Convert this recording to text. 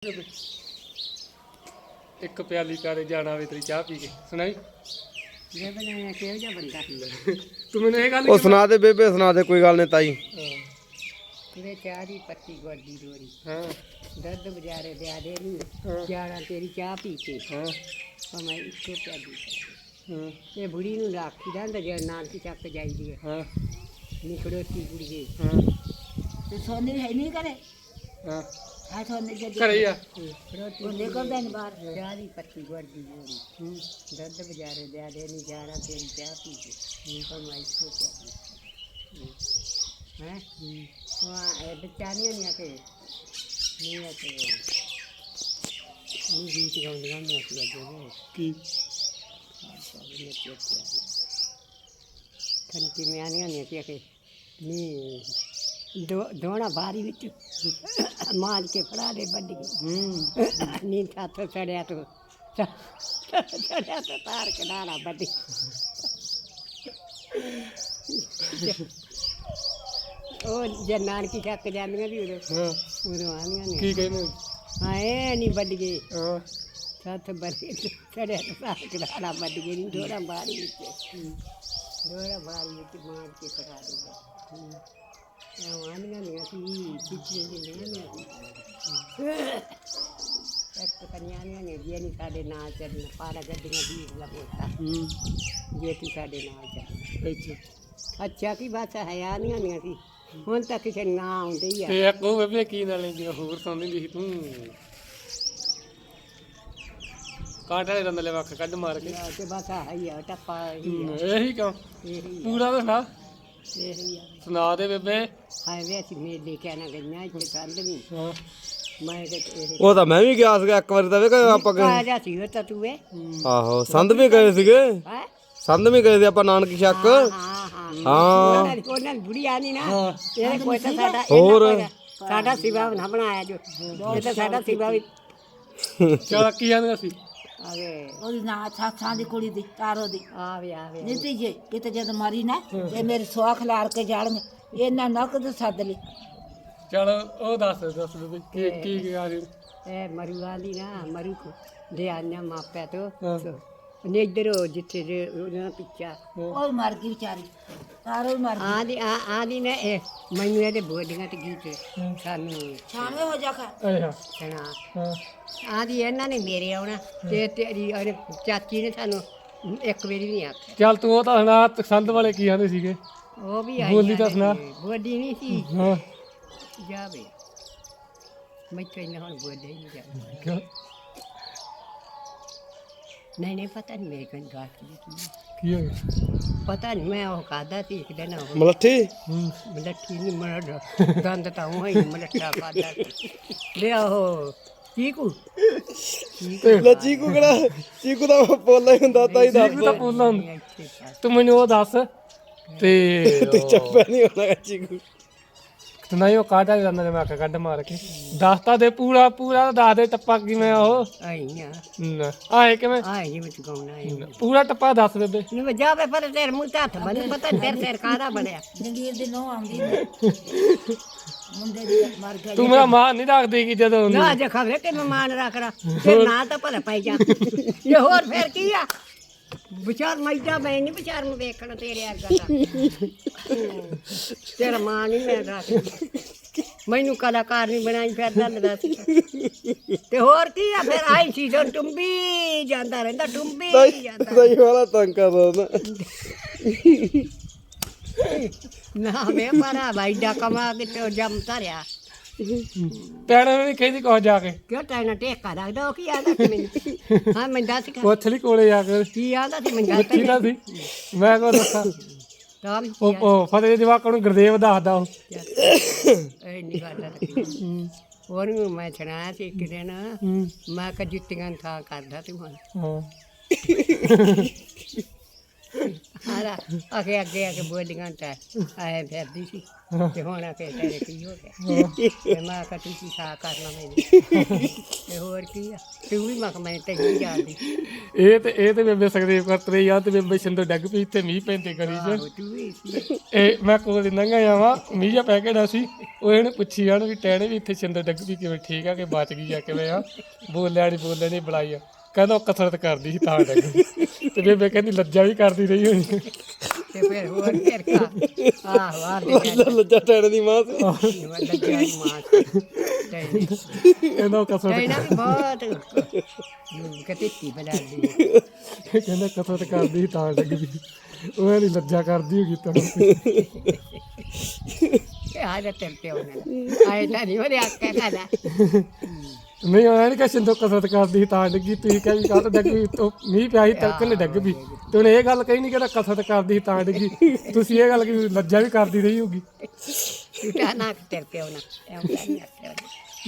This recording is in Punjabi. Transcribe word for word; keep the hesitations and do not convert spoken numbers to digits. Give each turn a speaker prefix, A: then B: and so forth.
A: ਇੱਕ ਪਿਆਲੀ ਕਾਰੇ ਜਾਣਾ ਵੇ ਤੇਰੀ ਚਾਹ ਪੀ ਕੇ ਸੁਣਾਈ
B: ਜੇ ਬਣਾਇਆ ਕਿਹੋ ਜਿਹਾ ਬੰਦਾ
A: ਤੂੰ ਮੈਨੂੰ ਇਹ ਗੱਲ
C: ਉਹ ਸੁਣਾ ਦੇ ਬੇਬੇ ਸੁਣਾ ਦੇ ਕੋਈ ਗੱਲ ਨਹੀਂ ਤਾਈ
B: ਕਿਵੇਂ ਚਾਹ ਦੀ ਪੱਤੀ ਗੋਡੀ ਰੋੜੀ
A: ਹਾਂ
B: ਦਰਦ ਬਜਾਰੇ ਦੇ ਆਦੇ
A: ਹਾਂ।
B: ਨੂੰ ਜਾਣਾ ਤੇਰੀ ਚਾਹ ਪੀ ਕੇ
A: ਹਾਂ
B: ਭਾਵੇਂ ਇੱਕੋ ਪਿਆਲੀ
A: ਹਾਂ
B: ਇਹ ਬੁੜੀ ਨੂੰ ਰਾਖੀ ਦਾ ਹੁੰਦਾ ਜੇ ਨਾਨਕੀ ਚੱਕ ਜਾਈਦੀ ਹੈ
A: ਹਾਂ
B: ਨਿਕੜੋਤੀ ਕੁੜੀਏ
A: ਹਾਂ
B: ਤੇ ਸੋਨੇ ਹੈ ਨਹੀਂ ਕਰੇ
A: ਹਾਂ
B: ਆ ਸੋਨੇ ਜੇ
A: ਘਰੇ ਆ
B: ਉਹ ਨਿਕਲਦਾ ਨਹੀਂ ਬਾਹਰ ਚਾਹ ਦੀ ਪੱਤੀ ਗੋਡੀ ਰੋੜੀ ਦਰਦ ਬਜਾਰੇ ਦੇ ਆਦੇ ਨਹੀਂ ਜਾਣਾ ਤੇਰੀ ਚਾਹ ਪੀ ਕੇ ਭਾਵੇਂ ਇੱਕੋ ਪਿਆਲੀ ਹੈ ਹਾਂ ਇਹ ਬੱਚਾਨੀਆਂ ਨਹੀਂ ਆਤੇ ਨਹੀਂ ਆਤੇ ਨਹੀਂ ਗੀਤ ਗਾਉਂਦੀਆਂ ਹੁੰਦੀਆਂ ਸੀ ਅੱਗੇ ਨੇ
A: ਕੀ
B: ਖੰਤੀ ਮੈਂ ਆਨੀਆਂ ਨਹੀਂ ਸੀ ਕਿ ਨਹੀਂ ਦੋ ਦੋਣਾ ਬਾਰੀ ਵਿੱਚ ਮਾਰ ਕੇ ਫੜਾ ਦੇ ਵੱਢ ਕੇ
A: ਹੂੰ
B: ਨੀ ਹੱਥ ਸੜਿਆ ਤੂੰ ਸੜਿਆ ਤਾਂ ਤਾਰ ਕਢਾਣਾ ਵੱਢ ਉਹ ਜੇ ਨਾਨਕੀ ਚੱਕ ਜਾਂਦੀਆਂ ਸੀ ਉਦੋਂ
A: ਹਾਂ
B: ਉਦੋਂ ਆਉਂਦੀਆਂ ਨੇ
A: ਕੀ ਕਹਿੰਦੇ
B: ਹਾਂ ਇਹ ਨਹੀਂ ਵੱਢ ਗਏ
A: ਹਾਂ
B: ਸੱਤ ਬਰੇ ਸੜਿਆ ਤਾਂ ਤਾਰ ਕਢਾਣਾ ਵੱਢ ਗਏ ਨਹੀਂ ਦੋੜਾ ਬਾਰੀ ਵਿੱਚ ਦੋੜਾ ਬਾਰੀ ਵਿੱਚ ਮਾਰ ਕੇ ਫੜਾ ਦੇ ਆਉਂਦੀਆਂ ਨਹੀਂ ਅਸੀਂ ਪਿੱਛੇ ਜਿਹੇ ਨਹੀਂ ਇੱਕ ਕਨਿਆਣੀਆਂ ਨੇ ਜੇ ਨਹੀਂ ਸਾਡੇ ਨਾਲ ਚੱਲਣਾ ਪਾਰਾ ਗੱਡੀਆਂ ਦੀ ਲਗੋਤਾ
A: ਹੂੰ
B: ਜੇ ਤੂੰ ਸਾਡੇ ਨਾਲ ਚੱਲ
A: ਅੱਛਾ
B: ਅੱਛਾ ਕੀ ਬਾਤ ਹੈ ਆਨੀਆਂ ਨਹੀਂ ਸੀ ਹੁਣ ਤੱਕ ਕਿਸੇ ਨਾ ਆਉਂਦੇ ਹੀ ਆ
A: ਤੇ ਇੱਕ ਉਹ ਬੇਬੇ ਕੀ ਨਾਲੇ ਜਿਵੇਂ ਹੋਰ ਸੁਣਦੀ ਹੁੰਦੀ ਸੀ ਤੂੰ ਕਾਂਟੇ ਦੇ ਦੰਦਲੇ ਵੱਖ ਕੱਢ ਮਾਰ ਕੇ
B: ਤੇ ਬਸ ਆਹੀ ਆ ਟੱਪਾ ਹੀ ਆ
A: ਇਹੀ ਕਿਉਂ
B: ਇਹੀ ਆ
A: ਪੂਰਾ ਤਾਂ ਸੁਣਾ
B: ਇਹੀ ਆ
A: ਸੁਣਾ ਦੇ ਬੇਬੇ
B: ਹਾਏ ਵੇ ਅਸੀਂ ਮੇਲੇ ਕਹਿਣਾ ਗਈਆਂ ਇੱਥੇ ਕੰਧ ਵੀ
A: ਹਾਂ
B: ਮੈਂ ਕਿ ਇਹ
C: ਉਹ ਤਾਂ ਮੈਂ ਵੀ ਗਿਆ ਸੀਗਾ ਇੱਕ ਵਾਰੀ ਤਾਂ ਵੇਖ ਆਪਾਂ
B: ਆ
C: ਗਏ
B: ਜਾ ਸੀ ਉਹ ਤਾਂ ਤੂੰ ਵੇ
C: ਆਹੋ ਸੰਧ ਵੀ ਗਏ ਸੀਗੇ
B: ਹੈ
C: ਸੰਧ ਵੀ ਗਏ ਸੀ ਆਪਾਂ ਨਾਨਕੀ ਚੱਕ
B: ਹਾਂ ਹਾਂ
C: ਹਾਂ
B: ਉਹਨਾਂ ਦੀ ਉਹਨਾਂ ਦੀ ਬੁੜੀ ਆਨੀ ਨਾ
A: ਹਾਂ
B: ਇਹ ਕੋਈ ਤਾਂ ਸਾਡਾ
C: ਹੋਰ।
B: ਇਹਨਾਂ ਕੋਈ ਸਾਡਾ ਸਿਵਾ ਨਾ ਬਣਾਇਆ ਜੋ ਇਹ ਤਾਂ ਸਾਡਾ ਸਿਵਾ ਵੀ
A: ਚਲ ਕੀ ਆਂਦਾ ਸੀ
B: ਆਵੇ
D: ਉਹਦੀ ਨਾ ਸਾਥਾਂ ਦੀ ਕੁੜੀ ਦੀ ਤਾਰੋ ਦੀ
B: ਆਵੇ ਆਵੇ
D: ਨੀਤੀ ਜੇ ਕਿਤੇ ਜਦ ਮਰੀ ਨਾ ਤੇ ਮੇਰੇ ਸੁਆਖ ਲਾਰ ਕੇ ਜਾਣਗੇ ਇਹਨਾਂ ਨੱਕ ਤੇ ਸੱਦ ਲਈ
A: ਚਲ ਉਹ ਦੱਸ ਦੱਸ ਬੇਬੇ ਕੀ ਕੀ ਕੀ ਆ ਰਹੀ
B: ਇਹ ਮਰੂ ਵਾਲੀ ਨਾ ਮਰੂ ਕੋ ਦੇ ਆਨਿਆ ਮਾਪਿਆ ਤੋਂ
A: ਹਾਂ।
B: ਨੇ ਇਧਰ ਜਿੱਥੇ ਜੇ ਉਹਨਾਂ ਪਿੱਛਾ
D: ਉਹ ਮਰ ਗਈ ਵਿਚਾਰੀ ਤਾਰੋ ਹੀ ਮਰ ਗਈ
B: ਆਦੀ ਆ ਆਦੀ ਨੇ ਇਹ ਮੈਨੂੰ ਇਹਦੇ ਬੋਲੀਆਂ ਤੇ ਗੀਤ ਸਾਨੂੰ
D: ਛਾਣੇ ਹੋ ਜਾ ਖਾ
A: ਅੱਛਾ
B: ਸੁਣਾ
A: ਹਾਂ
B: ਆਦੀ ਇਹਨਾਂ ਨੇ ਮੇਰੇ ਆਉਣਾ ਤੇ ਤੇਰੀ ਉਹਨੇ ਚਾਚੀ ਨੇ ਸਾਨੂੰ ਇੱਕ ਵਾਰੀ ਨਹੀਂ ਆਖਿਆ
A: ਚੱਲ ਤੂੰ ਉਹ ਤਾਂ ਸੁਣਾ ਸੰਦ ਵਾਲੇ ਕੀ ਆਂਦੇ ਸੀਗੇ
B: ਉਹ ਵੀ ਆਈ
A: ਬੋਲੀ ਤਾਂ ਸੁਣਾ।
B: ਬੋਲੀ ਨਹੀਂ ਸੀ
A: ਹਾਂ
B: ਜਾਵੇ ਮੈਂ ਕਹਿੰਦਾ ਹੁਣ ਬੋਲੇ ਹੀ ਨਹੀਂ ਜਾਵੇ
A: ਕਿਉਂ
B: ਨਹੀਂ ਨਹੀਂ ਪਤਾ ਨਹੀਂ ਮੇਰੇ ਕੋਲ ਗਾਟ ਕੀ
A: ਕੀ ਹੋ ਗਿਆ
B: ਪਤਾ ਨਹੀਂ ਮੈਂ ਉਹ ਖਾਦਾ ਸੀ ਇੱਕ ਦਿਨ ਉਹ
C: ਮਲੱਠੀ
A: ਹੂੰ
B: ਮਲੱਠੀ ਨਹੀਂ ਮਰਦਾ ਦੰਦ ਤਾਂ ਉਹ ਹੀ ਮਲੱਠਾ ਖਾਦਾ ਲਿਆ ਉਹ ਚੀਕੂ
C: ਲੈ ਚੀਕੂ ਕਿਹੜਾ ਚੀਕੂ ਦਾ ਪੋਲਾ ਹੀ ਹੁੰਦਾ ਤਾਈ ਦਾ
A: ਤੂੰ ਤਾਂ ਪੁੱਛਦਾ ਹੁੰਦਾ ਤੂੰ ਮੈਨੂੰ ਉਹ ਦੱਸ ਤੇ
C: ਤੇ ਚੱਪਿਆ ਨਹੀਂ ਹੋਣਾ ਚੀਕੂ
A: ਤੇ ਨਹੀਂ ਉਹ ਕਾਟਾ ਜਾਂਦਾ ਨੇ ਮੈਂ ਆਖਿਆ ਕੱਢ ਮਾਰ ਕੇ ਦੱਸਤਾ ਦੇ ਪੂਰਾ ਪੂਰਾ ਦੱਸ ਦੇ ਟੱਪਾ ਕਿਵੇਂ ਆ ਉਹ
B: ਆਈ ਨਾ
A: ਨਾ, ਆਏ ਕਿਵੇਂ
B: ਆਈ ਜਿਵੇਂ ਚੁਕਾਉਣਾ ਹੈ
A: ਪੂਰਾ ਟੱਪਾ ਦੱਸ ਬੇਬੇ
B: ਨੂੰ ਜਾਵੇ ਪਰ ਤੇਰੇ ਮੂੰਹ ਤੇ ਹੱਥ ਬੰਨ ਪਤਾ ਨੀ ਤੇਰੇ ਸਿਰ ਕਾਹਦਾ ਬਣਿਆ
D: ਜੰਗੀਰ ਦੀ ਨੋ ਆਉਂਦੀ ਨੇ ਮੁੰਡੇ ਦੀ ਮਰ ਗਿਆ
A: ਤੂੰ ਮੇਰਾ ਮਾਂ ਨਹੀਂ ਰੱਖਦੀ ਕਿ ਜਦੋਂ
B: ਨਾ ਜੇ ਖਬਰੇ ਕਿ ਮਹਿਮਾਨ ਰੱਖ ਰਾ ਤੇ ਨਾ ਤਾਂ ਭਲਾ ਪਾਈ ਜਾ ਇਹ ਹੋਰ ਫੇਰ ਕੀ ਆ ਵਿਚਾਰ ਮੈਦਾ ਮੈਂ ਨਹੀਂ ਵਿਚਾਰ ਨੂੰ ਵੇਖਣਾ ਤੇਰੇ ਵਰਗਾ ਤਾਂ ਤੇਰਾ ਮਾਂ ਨਹੀਂ ਮੈਂ ਰੱਖ ਮੈਨੂੰ ਕਲਾਕਾਰ ਨਹੀਂ ਬਣਾਈ ਫਿਰਦਾ ਦੱਸ ਤੇ ਹੋਰ ਕੀ ਆ ਫਿਰ ਆਈ ਸੀ ਜੋ ਟੁੰਬੀ ਜਾਂਦਾ ਰਹਿੰਦਾ ਟੁੰਬੀ ਜਾਂਦਾ
C: ਤਾਈ ਵਾਲਾ ਤੰਗ ਕਰਦਾ ਨਾ
B: ਨਾ ਮੈਂ ਮਾਰਾ ਭਾਈ ਦਾ ਕਮਾ ਕੇ ਤੇ ਜਮ ਧਰਿਆ
A: ਪੈਣਾ ਵੀ ਕਹਿੰਦੀ ਕੋ ਜਾ ਕੇ
B: ਕਿਉਂ ਟਾਈਨਾ ਟੇਕਾ ਰੱਖਦਾ ਉਹ ਕੀ ਆਦਾ ਸੀ ਮੈਨੂੰ ਹਾਂ ਮੈਂ ਦੱਸ ਕੇ
A: ਪੁੱਛ ਲਈ ਕੋਲੇ ਜਾ ਕੇ
B: ਕੀ ਆਦਾ ਸੀ ਮੈਂ ਦੱਸ
A: ਪੁੱਛੀ ਨਾ ਸੀ ਮੈਂ ਕੋ ਦੱਸਾਂ
B: ਤਾਂ ਵੀ
A: ਉਹ ਉਹ ਫਤਿਹ ਜਵਾਕਾਂ ਨੂੰ ਗੁਰਦੇਵ ਦੱਸਦਾ ਉਹ
B: ਇਹ ਨਹੀਂ ਕਰਦਾ ਉਹਨੂੰ ਮੈਂ ਸੁਣਾਇਆ ਸੀ ਇੱਕ ਦਿਨ
A: ਹੂੰ
B: ਮੈਂ ਕਿਹਾ ਜੁੱਤੀਆਂ ਨੂੰ ਥਾਂ ਕਰਦਾ ਤੂੰ ਹੁਣ
A: ਹਾਂ
B: ਆਰਾ ਅਗੇ ਅੱਗੇ ਆ ਕੇ ਬੋਲੀਆਂ ਤਾਂ ਆਏ ਫਿਰਦੀ ਸੀ ਤੇ ਹੁਣ ਆ ਕੇ ਤੇਰੇ ਕੀ ਹੋ ਗਿਆ ਤੇ ਮੈਂ ਕਿਹਾ ਤੁਸੀਂ ਸਾ ਕਰਨਾ ਮੈਨੂੰ ਤੇ ਹੋਰ ਕੀ ਆ ਤੂੰ ਵੀ ਮਖ ਮੈਂ ਤੇ ਹੀ ਜਾਂਦੀ
A: ਇਹ ਤੇ ਇਹ ਤੇ ਬੇਬੇ ਸਕਦੇਵ ਕਰਤਰੇ ਯਾਰ ਤੇ ਬੇਬੇ ਸਿੰਧੂ ਡੱਗ ਪਈ ਇੱਥੇ ਮੀਂਹ ਪੈਂਦੇ ਗਲੀ 'ਚ
B: ਆਹੋ ਤੂੰ ਵੀ ਸੀ
A: ਇਹ ਮੈਂ ਕੋਲ ਲੰਘਾ ਜਾਵਾਂ ਮੀਂਹ ਜਿਹਾ ਪੈ ਕੇ ਡਾ ਸੀ ਉਹ ਇਹਨੇ ਪੁੱਛੀ ਜਾਣ ਵੀ ਟੈਣੇ ਵੀ ਇੱਥੇ ਸਿੰਧੂ ਡੱਗ ਪਈ ਕਿਵੇਂ ਠੀਕ ਆ ਕਿ ਬਚ ਗਈ ਆ ਕਿਵੇਂ ਆ ਬੋਲਿਆ ਨਹੀਂ ਬੋਲਿਆ ਨਹੀਂ ਬੁਲਾਈ ਆ ਕਹਿੰਦਾ ਉਹ ਕਸਰਤ ਕਰਦੀ ਸੀ ਤਾਂ ਡੱਗ ਗਈ ਤੇ ਬੇਬੇ ਕਹਿੰਦੀ ਲੱਜਾ ਵੀ ਕਰਦੀ ਰਹੀ ਹੋਣੀ
B: ਤੇ ਫਿਰ ਹੋਰ ਫਿਰ ਕਾ ਆਹੋ ਆ ਦੇ
C: ਲੱਜਾ ਟੈਣ ਦੀ ਮਾਂ ਸੀ
B: ਲੱਜਾ ਦੀ ਮਾਂ ਤੇ
A: ਕਹਿੰਦਾ ਉਹ ਕਸਰਤ
B: ਇਹਨਾਂ ਵੀ ਬਹੁਤ ਕਤੀਤੀ ਬਲਾਦੀ
A: ਕਹਿੰਦਾ ਕਸਰਤ ਕਰਦੀ ਸੀ ਤਾਂ ਡੱਗ ਪਈ ਉਹ ਨਹੀਂ ਲੱਜਾ ਕਰਦੀ ਹੋਗੀ ਤਾਂ
B: ਆ ਜਾ ਤੇ ਪਿਓ ਨੇ ਆਏ ਤਾਂ ਨਹੀਂ ਉਹਦੇ ਆਕੇ ਖਾਦਾ
A: ਨਹੀਂ ਆਇਆ ਨਹੀਂ ਕਿ ਸਿੰਧੂ ਕਸਰਤ ਕਰਦੀ ਸੀ ਤਾਂ ਡੱਗੀ ਤੁਸੀਂ ਕਹਿ ਵੀ ਕਾਹ ਡੱਗ ਪਈ ਤੋ ਮੀਂਹ ਪਿਆ ਸੀ ਤੜਕੇ ਨੇ ਡੱਗ ਪਈ ਤੇ ਉਹਨੇ ਇਹ ਗੱਲ ਕਹੀ ਨਹੀਂ ਕਿ ਕਸਰਤ ਕਰਦੀ ਸੀ ਤਾਂ ਡੱਗੀ ਤੁਸੀਂ ਇਹ ਗੱਲ ਕਿ ਲੱਜਾ ਵੀ ਕਰਦੀ ਰਹੀ ਹੋਗੀ
B: ਝੂਠਾ ਨਾ ਤੇ ਪਿਓ ਨਾ ਐਂ ਨਹੀਂ ਆਖਿਆ